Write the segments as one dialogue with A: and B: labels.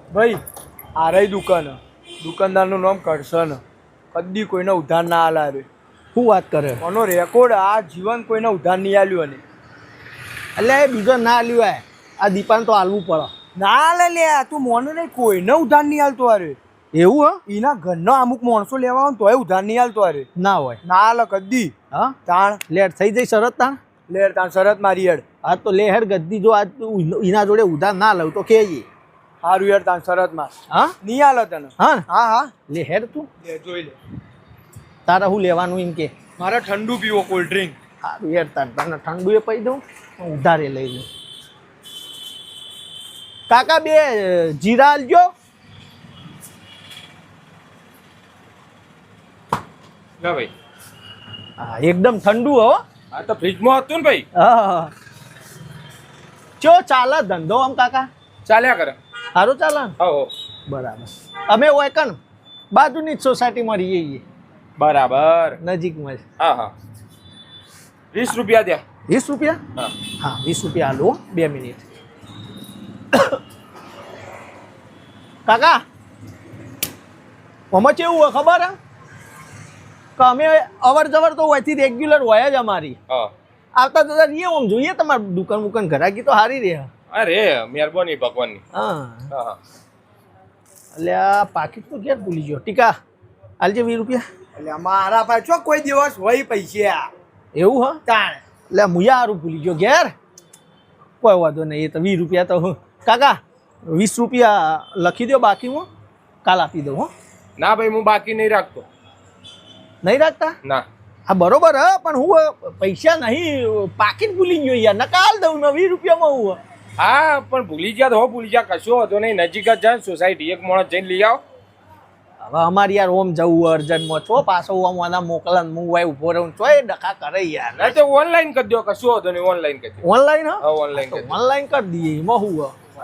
A: ભાઈ આ રહી દુકાનદારનું નામ કરશન. કદી કોઈને ઉધાર ના આલા રે.
B: શું વાત કરે?
A: આનો રેકોર્ડ આ જીવન કોઈને ઉધાર નહીં આલ્યું. અને
B: એટલે એ બીજો ના લ્યો આ દીપાને તો હાલવું પડે.
A: ના લે તું મોને નહીં, કોઈને ઉધાર નહીં આલતો અરે.
B: એવું હા?
A: એના ઘરનો અમુક માણસો લેવા આવે તોય ઉધાર નહીં આલતો અરે.
B: ના હોય
A: ના આલે કદી.
B: હા
A: તાણ
B: લેટ થઈ જઈ શરત તાણ.
A: લે તાણ શરત મારી હેડ.
B: હા તો લે હેડ ગદ્દી જો આજ એના જોડે ઉધાર ના લઉં તો કેજી.
A: સારું યાર તાણ શરત માં
B: હા
A: નહીં આલે તને.
B: હા
A: હા હા
B: લે હેડ તું.
A: લે જોઈ લે.
B: તારે શું લેવાનું એમ કે?
A: મારે ઠંડુ પીવો, કોલ્ડ ડ્રિંક.
B: સારું યાર તાર તને ઠંડુ એ પી દઉં, ઉધારે લઈ લઉં. કાકા 2 જીરા આલજો.
C: ના ભાઈ,
B: હા એકદમ ઠંડુ હો.
C: આ તો ફ્રીજમાં હતું ને ભાઈ.
B: હા ચો ચાલે ધંધો આમ કાકા?
C: ચાલ્યા કરે.
B: સારું ચાલે ને?
C: હો
B: બરાબર. અમે હોય કણ બાજુની જ સોસાયટીમાં રહીએ છીએ,
C: બરાબર.
B: નજીકમાં જ.
C: હા હા, 20 રૂપિયા દ્યા.
B: 20 રૂપિયા?
C: હા
B: હા 20 રૂપિયા આલો. 2 મિનિટ. કાકા આમાં કેવું હોય ખબર હે કે અમે અવર જવર તો હોયથી રેગ્યુલર હોય જ અમારી.
C: હા
B: આવતા જતા રહીએ આમ જોઈએ તમારી દુકાન ઘરાકી તો સારી રહે.
C: અરે મહેરબાની ભગવાનની.
B: હા
C: હા હા.
B: એટલે આ પાકીટ તો ક્યાં ભૂલી ગયો. ટીકા આલજે 20 રૂપિયા.
A: એટલે મારા પાસે ચો કોઈ દિવસ હોય પૈસા.
B: એવું હા?
A: તાણ
B: એટલે મુયા હારું ભૂલી ગયો ઘેર. કોઈ વાંધો નહીં, એ તો 20 રૂપિયા તો કાકા 20 રૂપિયા લખી દો બાકીમાં, કાલ આપી દઉં. હો
C: ના ભાઈ, હું બાકી નહીં રાખતો.
B: નહીં રાખતા?
C: ના.
B: હા બરોબર હ, પણ હું પૈસા નહીં, પાકીટ ભૂલી ગયો યાર. નકાલ દઉં ને 20 રૂપિયામાં હું.
C: હા પણ ભૂલી ગયા તો હો, ભૂલી ગયા, કશો હતો નહીં. નજીક જ જાય સોસાયટી, એક માણસ જઈને લઈ આવો.
B: હવે અમારે યાર ઓમ જવું અર્જન્ટમાં છો, પાછો આમ આના મોકલન હું વાય ઉભો રહું છો, એ ડખા કરે યાર.
C: ના તો ઓનલાઈન કરી દો, કશો હતો નહીં. ઓનલાઈન કરી દો.
B: ઓનલાઈન હા?
C: હા ઓનલાઈન કરી દો.
B: ઓનલાઈન કરી દઈએ. એમાં હું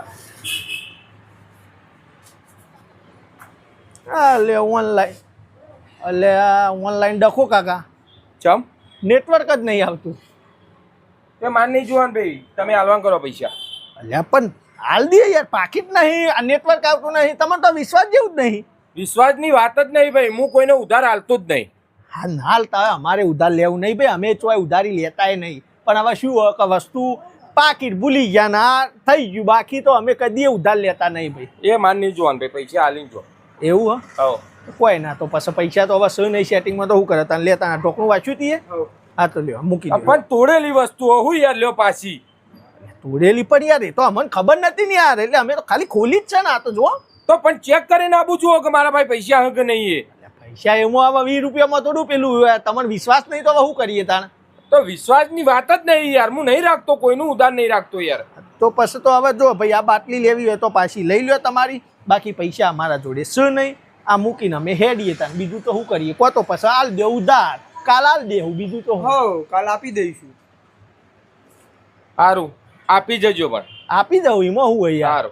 B: એટલે ઓનલાઈન, એટલે ઓનલાઈન ડખો કાકા,
C: ચમ
B: નેટવર્ક જ નહીં આવતું.
C: તે માન નહીં જોવાનું ભાઈ, તમે હાલવાન કરો પૈસા.
B: એટલે પણ હાલ દે યાર, પાકીટ નહીં, આ નેટવર્ક આવતું નહીં, તમને તો વિશ્વાસ જેવું જ નહીં.
C: વિશ્વાસની વાત જ નહીં ભાઈ, હું કોઈને ઉધાર હાલતો જ નહીં.
B: હા ના હાલતા હોય, અમારે ઉધાર લેવું નહીં ભાઈ, અમે ચોય ઉધારી લેતાય નહીં. પણ હવે શું હોય કે વસ્તુ પાકીટ ભૂલી ગયા ના થઈ ગયું, બાકી તો અમે કદી ઉધાર લેતા નહીં ભાઈ.
C: એ માન નહીં જોવાનું ભાઈ, પૈસા હાલીને જો.
B: એવું હા?
C: હો
B: કોઈ ના, તો પછી પૈસા તો હવે શું નહીં, સેટિંગમાં તો શું કરે તને લેતા ના ઢોકણું વાંચ્યું તીએ. હા તો લ્યો મૂકી દો.
C: પણ તોડેલી વસ્તુઓ હું યાર લ્યો પાછી.
B: તોડેલી પણ યાર એ તો અમને ખબર નથી ને યાર, એટલે અમે તો ખાલી ખોલી જ છે ને. આ તો જો
C: તો પણ ચેક કરીને આપું છું કે મારા ભાઈ પૈસા હે કે નહીં.
B: પૈસા એમાં હવે 20 રૂપિયામાં થોડું પેલું તમને વિશ્વાસ નહીં તો હવે શું કરીએ તાણ?
C: તો વિશ્વાસની વાત જ નહીં યાર, હું નહીં રાખતો, કોઈનું ઉધાર નહીં રાખતો યાર.
B: તો પછી તો હવે જો ભાઈ આ બાટલી લેવી હોય તો પાછી લઈ લ્યો તમારી, બાકી પૈસા અમારા જોડે શું નહીં. આ મૂકીને અમે હેડીએ તાણ, બીજું તો શું કરીએ? કો તો પછી હાલ દે ઉધાર, કાલ હાલ દેવું, બીજું તો
A: હો કાલ આપી દઈશું.
C: સારું આપી જજો. પણ
B: આપી દઉં, એમાં શું હોય યાર.
C: સારું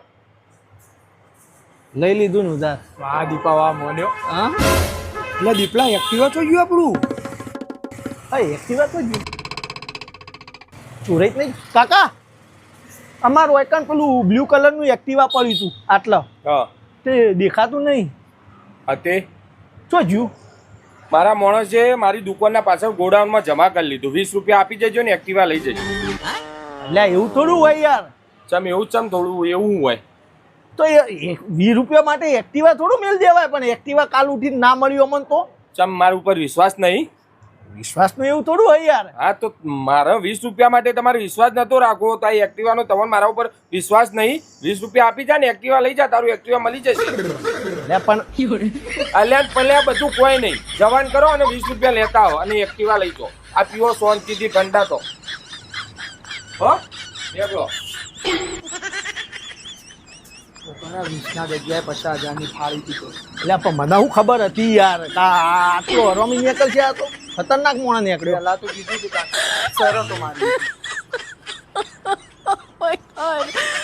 B: લઈ લીધું ને ઉધાર.
A: વાહ દીપા વાહ મોન્યો.
B: હા
A: એટલે દીપલા એક્ટિવા તો ગયું આપણું.
B: હા એક્ટિવા તો જ ચોરાઈ જ નહીં કાકા. અમારું એકન પેલું બ્લુ કલરનું એક્ટિવા પડ્યું હતું આટલા,
C: હા
B: તે દેખાતું નહીં.
C: તે
B: શું જ્યું?
C: મારા માણસે મારી દુકાનના પાછળ ગોડાઉનમાં જમા કરી લીધું. 20 રૂપિયા આપી જજો ને એક્ટિવા લઈ જજો.
B: એટલે એવું થોડું હોય યાર.
C: ચમ એવું ચમ થોડું એવું હોય.
B: તો એ 20 રૂપિયા માટે એક્ટિવા થોડું મેળ દેવાય, પણ એક્ટિવા કાલ ઉઠીને ના મળ્યું અમને તો.
C: ચમ મારા ઉપર વિશ્વાસ નહીં?
B: વિશ્વાસનું એવું થોડું હોય યાર.
C: હા તો મારા 20 રૂપિયા માટે તમારે વિશ્વાસ નતો રાખવો તો આ એક્ટિવાનો તમારે મારા ઉપર વિશ્વાસ નહીં. 20 રૂપિયા આપી જા ને એક્ટિવા લઈ જા, તારું એક્ટિવા મળી જશે.
B: એટલે પણ
C: અલ્યા પલ્યા બધું કોઈ નહીં, જવાન કરો અને 20 રૂપિયા લેતા આવો અને એક્ટિવા લઈ જાઓ. આ પીવો શાંતિથી ઠંડા તો. હો દેખો
A: 20 જગ્યાએ 50,000ની ફાળી દીધો.
B: એટલે પણ મને શું ખબર હતી યાર, આટલો હરોમી નીકળ છે, આ તો ખતરનાક મોણા નીકળ્યો.
A: પેલા તો કીધું હતું શરતો મારી.